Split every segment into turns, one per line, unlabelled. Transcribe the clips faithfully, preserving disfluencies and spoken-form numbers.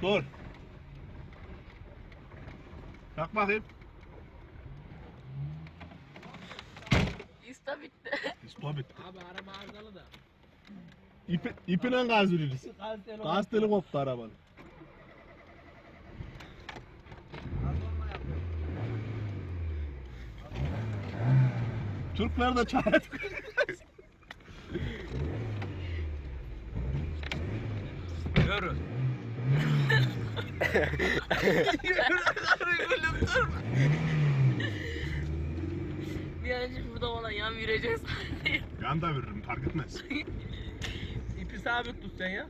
Dur. Bak bakayım.
İsta bitti.
İspa bitti.
Abi araba arızalı da.
İpi, ipine gaz veririz.
Gaz teli
Gaz teli koptu arabanın. Türkler de çare
Yürü.
Bir an önce burada olan yan vireceğiz.
Yan da veririm fark etmez.
İpi sabit tut sen ya.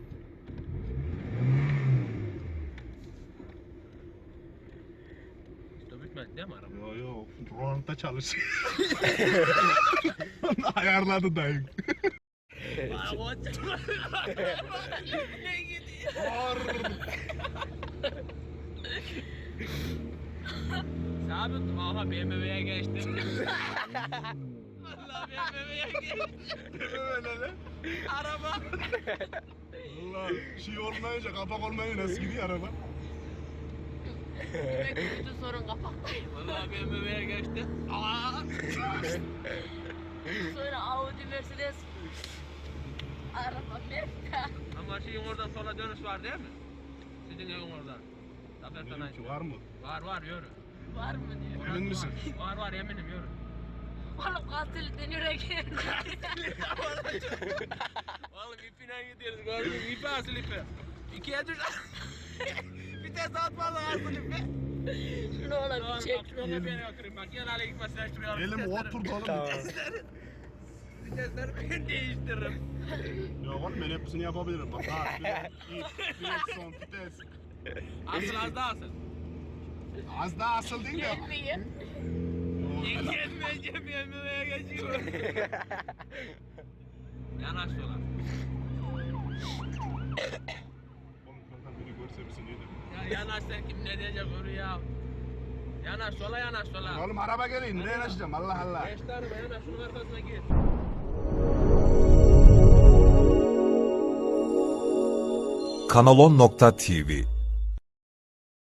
İşte bitmedi değil mi araba?
Yo yo Roland'da çalışıyor. Onu ayarladı dayı.
Ay o ne gidiyor? Sabit tut. Aha B M W'ye geçti. Vallahi B M W'ye geçti.
Öyle lan.
Araba.
Allah şey olmayınca kapak olmayınca nasıl gidiyor araba?
Demek ki bütün sorun kapaktayım.
Vallahi B M W'ye geçti. Aa!
Sonra Audi, Mercedes. Araba Merta.
Ama şeyin oradan sola dönüş var değil mi? Sizin evin oradan. Zafer
Dedim
Sanayi.
ki var mı?
Var var yürü.
Var mı diyor.
Emin misin?
Var var eminim yürü.
Oğlum katilden yürek.
Oğlum ipine gidiyoruz gördün mü? İpi asıl ipi. İkiye düş. Vites atmalı asıl ipi.
Şunu ola bir çek.
Şuraya beni oturayım bak. Gel hale gitme sen şuraya.
Elim oturdu oğlum.
Vitesleri ben değiştiririm.
Yok oğlum ben hepsini yapabilirim. Bak ha, fren, ip, direksiyon, vites.
Asıl az daha asıl.
Az daha asıl değil de.
Gelmeyin.
Yok.
Gelmeyeceğim yemeğe geçiyor. Yanaş sola.
Oğlum kanka beni görse bizi ne der?
Ya yanaş sen kim ne diyecek onu ya. Yanaş sola yanaş sola.
Oğlum araba geliyor. Nereye yanaşacağım? Allah Allah.
Beş tane yanaş şunun arkasına gir.
kanalon nokta tv